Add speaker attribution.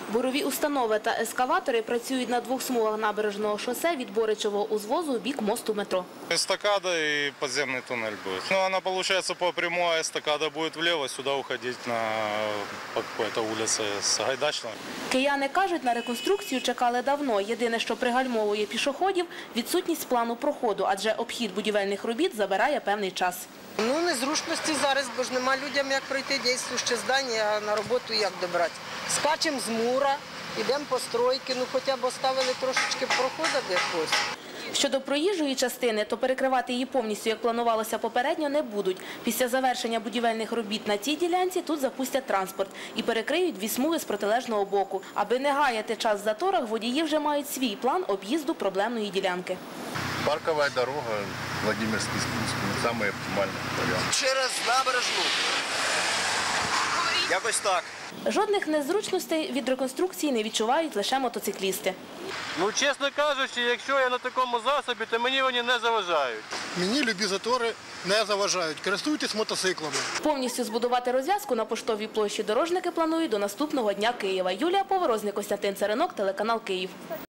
Speaker 1: Бурові установи та ескаватори працюють на двох смугах набережного шосе від Боричевого узвозу у бік мосту метро.
Speaker 2: Эстакада и подземный туннель будет. Она получается по прямой, эстакада будет влево, сюда уходить по какой-то улице с Гайдачного.
Speaker 1: Кияни кажуть, на реконструкцію чекали давно. Єдине, що пригальмовує пішоходів – відсутність плану проходу, адже обхід будівельних робіт забирає певний час.
Speaker 3: Незручності зараз, бо ж нема людям як пройти діюче здання, а на роботу як добрати. Скачемо з мура, йдемо по стройки, хоча б оставили трошечки проходу якось.
Speaker 1: Щодо проїжджої частини, то перекривати її повністю, як планувалося попередньо, не будуть. Після завершення будівельних робіт на цій ділянці тут запустять транспорт і перекриють дві смуги з протилежного боку. Аби не гаяти час в заторах, водії вже мають свій план об'їзду проблемної ділянки.
Speaker 4: Паркова дорога, Владимирський спуск, самий оптимальний варіант.
Speaker 5: Через набережну. Якось так.
Speaker 1: Жодних незручностей від реконструкції не відчувають лише мотоциклісти.
Speaker 6: Чесно кажучи, якщо я на такому засобі, то мені вони не заважають.
Speaker 7: Мені любі затори не заважають. Користуйтесь мотоциклами.
Speaker 1: Повністю збудувати розв'язку на Поштовій площі дорожники планують до наступного Дня Києва. Юлія Поворозник, Костянтин Царинок, телеканал Київ.